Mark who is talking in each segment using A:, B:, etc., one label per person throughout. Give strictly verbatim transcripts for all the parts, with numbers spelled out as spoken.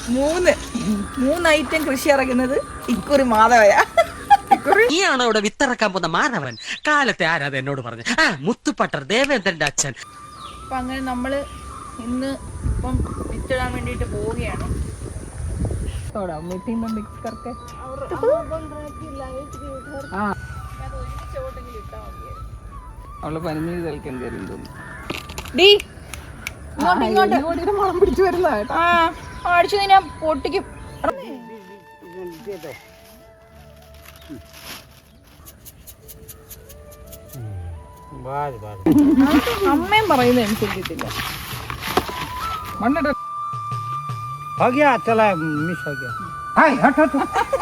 A: മൂന്ന് മൂന്ന് ഐറ്റം കൃഷി ഇറങ്ങുന്നത് ഇക്കുറി മാധവയാ.
B: നീയാണോ ഇവിടെ വിത്തിറക്കാൻ പോകുന്ന മാധവൻ? കാലത്തെ ആരാധ എന്നോട് പറഞ്ഞു. ആ മുത്തുപ്പട്ടർ ദേവേന്ദ്രന്റെ അച്ഛൻ.
A: അപ്പൊ അങ്ങനെ നമ്മള് ഇന്ന് ഇപ്പം വിത്തിടാൻ വേണ്ടിട്ട് പോവുകയാണ്.
C: അവള് പനിനീര് കളിക്കാൻ കയറി തോന്നുന്നു.
A: മണം പിടിച്ചു വരുന്ന അടിച്ചു ഞാൻ പൊട്ടിക്കും. അമ്മയും പറയുന്നത് അനുസരിച്ചിട്ടില്ല.
C: മണ്ണിട
D: हो गया चला मिस हो गया हाय हट हट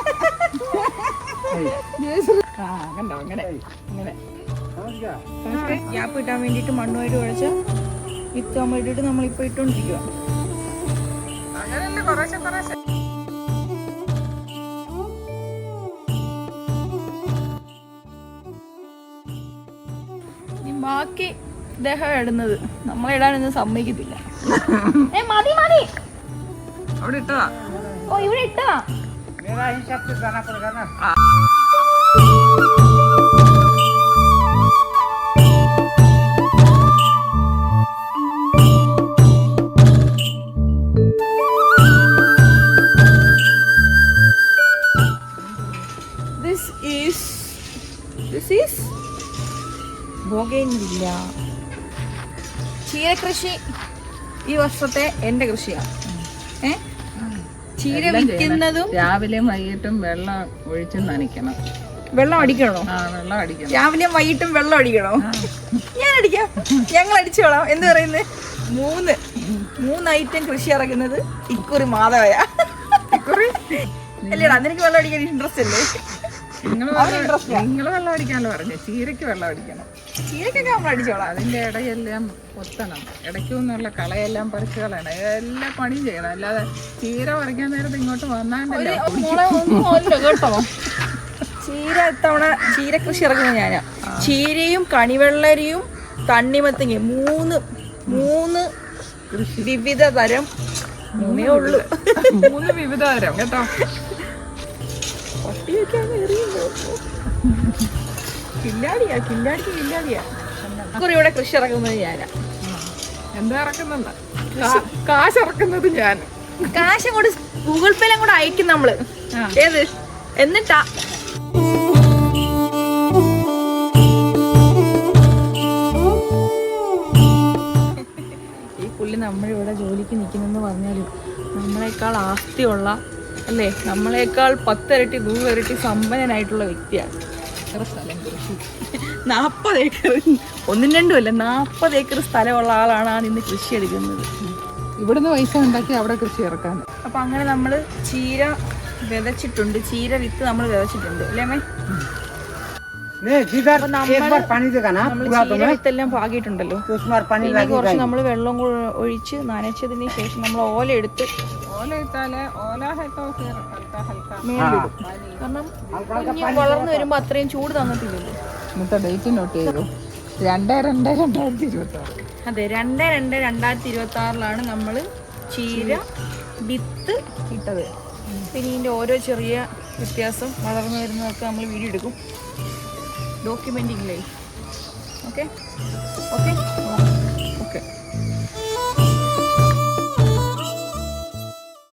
A: കണ്ടോ അങ്ങനെ അങ്ങനെ ഗ്യാപ്പ് കിട്ടാൻ വേണ്ടിട്ട് മണ്ണുമായിട്ട് കുഴച്ച് വിത്താൻ വേണ്ടിട്ട് നമ്മളിപ്പോ ഇട്ടോണ്ടിരിക്കുക.
C: അങ്ങനെയല്ലേ കുറേശ്ശെ കുറേശ്ശെ.
A: ബാക്കി ദേഹം ഇടുന്നത് നമ്മളിടാനൊന്നും സമ്മതിക്കത്തില്ല. ഏ മതി മതി
C: അവിടെ ഇട്ടതാ.
A: ഓ ഇവിടെ ഇട്ടതാ.
D: मेरा हिसाब से जाना पड़ेगा ना.
A: This is this is bougainvillea. ചീര കൃഷി ഈ വർഷത്തെ എന്റെ കൃഷിയാണ്. ഏ ചീര വിൽക്കുന്നതും
C: രാവിലെയും വൈകിട്ടും വെള്ളം ഒഴിച്ച് നനയ്ക്കണം.
A: വെള്ളം അടിക്കണോ?
C: ആ വെള്ളം അടിക്കണം.
A: രാവിലെയും വൈകിട്ടും വെള്ളം അടിക്കണോ? ഞാൻ അടിക്കാം, ഞങ്ങൾ അടിച്ചോളാം. എന്ത് പറയുന്നത്? മൂന്ന് മൂന്ന് ഐറ്റം കൃഷി ഇറങ്ങുന്നത് ഇക്കുറി മാധവയാ. ഇക്കുറി അല്ലേടാ നിനക്ക് വെള്ളം അടിക്കാൻ ഇൻട്രസ്റ്റ് അല്ലേ?
C: നിങ്ങൾ നിങ്ങൾ വെള്ളം അടിക്കാനല്ലോ പറഞ്ഞു. ചീരയ്ക്ക് വെള്ളം അടിക്കണം.
A: ചീരക്കൊക്കെ നമ്മൾ അടിച്ചോളാം.
C: അതിന്റെ ഇടയെല്ലാം കൊത്തണം. ഇടയ്ക്ക് നിന്നുള്ള കളയെല്ലാം പറിച്ച് കളയണം. എല്ലാ പണിയും ചെയ്യണം. അല്ലാതെ ചീര പറിക്കാൻ നേരത്ത് ഇങ്ങോട്ട് വന്നാണ്ടല്ലോ
A: കേട്ടോ. ചീര ഇത്തവണ ചീര കൃഷി ഇറക്കുന്നത് ഞാനാ. ചീരയും കണിവെള്ളരിയും തണ്ണിമത്തങ്ങ മൂന്ന് മൂന്ന് വിവിധ തരം മൂന്നേ ഉള്ളു.
C: മൂന്ന് വിവിധ തരം കേട്ടോ.
A: കില്ലാടിയാ കില്ലാടിക്ക് കില്ലാടിയാ. ഇവിടെ കൃഷി ഇറക്കുന്നത് ഞാനാ.
C: എന്താ ഇറക്കുന്നുണ്ട്? കാശ് ഇറക്കുന്നത് ഞാൻ.
A: കാശ് അങ്ങോട്ട് ഗൂഗിൾ പേയിലും കൂടെ അയക്കും നമ്മള്. ഏത് എന്നിട്ടാ ഈ പുള്ളി നമ്മളിവിടെ ജോലിക്ക് നിൽക്കുന്നെന്ന് പറഞ്ഞാലും നമ്മളെക്കാൾ ആസ്തിയുള്ള അല്ലേ, നമ്മളെക്കാൾ പത്തിരട്ടി നൂറിരട്ടി സമ്പന്നനായിട്ടുള്ള വ്യക്തിയാണ്. സ്ഥലം കൃഷി നാൽപ്പത് ഏക്കർ ഒന്നും രണ്ടും അല്ല നാൽപ്പത് ഏക്കർ സ്ഥലമുള്ള ആളാണ് ആ നിന്ന് കൃഷി എടുക്കുന്നത്.
C: ഇവിടുന്ന് പൈസ ഉണ്ടാക്കി അവിടെ കൃഷി ഇറക്കാൻ.
A: അപ്പൊ അങ്ങനെ നമ്മള് ചീര വിതച്ചിട്ടുണ്ട്. ചീര വിത്ത് നമ്മൾ വിതച്ചിട്ടുണ്ട് അല്ലേ മേ? വിത്തെല്ലാം പാകിയിട്ടുണ്ടല്ലോ. പിന്നെ കുറച്ച് നമ്മൾ വെള്ളം ഒഴിച്ച് നനച്ചതിന് ശേഷം നമ്മൾ ഓല എടുത്ത് കാരണം വളർന്നു വരുമ്പോ അത്രയും ചൂട് തന്നിട്ടില്ലല്ലോ.
C: ഇന്നത്തെ ഡേറ്റ് നോട്ട് ചെയ്തു. രണ്ട് രണ്ട് രണ്ടായിരത്തി ഇരുപത്തി ആറ്
A: അതെ രണ്ട് രണ്ട് രണ്ടായിരത്തി ഇരുപത്തി ആറിലാണ് നമ്മൾ ചീര വിത്ത് ഇട്ടത്. പിന്നെ ഇതിൻ്റെ ഓരോ ചെറിയ വ്യത്യാസം വളർന്നു വരുന്നതൊക്കെ നമ്മൾ വീഡിയോ എടുക്കും. Documenting life. Okay okay okay